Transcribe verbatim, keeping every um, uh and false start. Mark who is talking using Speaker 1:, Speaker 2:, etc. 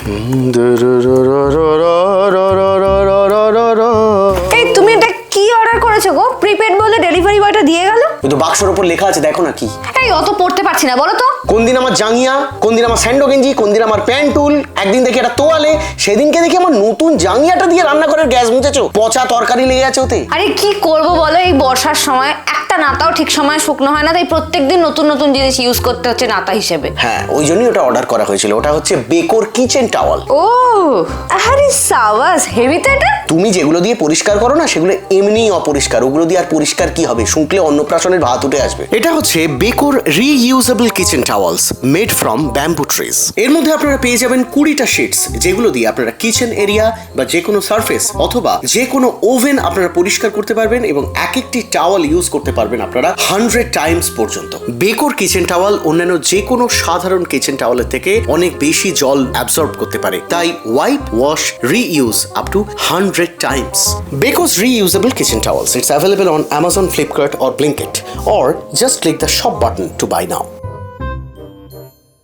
Speaker 1: এই তুমি এটা কি অর্ডার করেছো গো? প্রিপেড বলে ডেলিভারি বয়টা দিয়ে গেল।
Speaker 2: ওই তো বাক্সের উপর লেখা আছে, দেখো না কি।
Speaker 1: এই অত পড়তে পারছি না, বলো তো।
Speaker 2: কোন দিন আমার জাঙ্গিয়া, কোন দিন আমার স্যান্ডো গেঞ্জি, কোন দিন আমার প্যান্টুল, একদিন দেখি একটা তোয়ালে, সেদিনকে দেখি আমার নতুন জাঙ্গিয়াটা দিয়ে রান্না করে গ্যাস মুছেছো, পচা তরকারি লেগে আছে ওতে।
Speaker 1: আরে কি করব বলো, এই বর্ষার সময় একটা নাতাও ঠিক সময় শুকনো হয় না, তাই প্রত্যেকদিন নতুন নতুন জিনিস ইউজ করতে হচ্ছে নাতা হিসেবে।
Speaker 2: হ্যাঁ, ওই জন্যই ওটা অর্ডার করা হয়েছিল। ওটা হচ্ছে বেকোর কিচেন টাওয়াল।
Speaker 1: ও আরে সাবাস, হেভি তো এটা।
Speaker 2: তুমি যেগুলো দিয়ে পরিষ্কার করো না, সেগুলো এমনিই অপরিষ্কার। ওগুলো দিয়ে আর পরিষ্কার কি হবে? শুকলে অন্নপ্রাশনের ভাত উঠে আসবে। এটা হচ্ছে Beko reusable kitchen towels made from bamboo trees. এর মধ্যে আপনারা পেয়ে যাবেন কুড়িটা শিটস, যেগুলো দিয়ে আপনারা কিচেন এরিয়া বা যে কোনো সারফেস অথবা যে কোনো ওভেন আপনারা পরিষ্কার করতে পারবেন, এবং এক একটি টাওয়াল ইউজ করতে পারবেন আপনারা হান্ড্রেড টাইমস পর্যন্ত। বেকোর কিচেন টাওয়াল অন্যান্য যে কোনো সাধারণ কিচেন টাওয়ালের থেকে অনেক বেশি জল অ্যাবজর্ব করতে পারে, তাই wipe, wash, reuse up to hundred times. Beko's reusable kitchen towels. It's available on Amazon, Flipkart or Blinkit, or just click the shop button to buy now.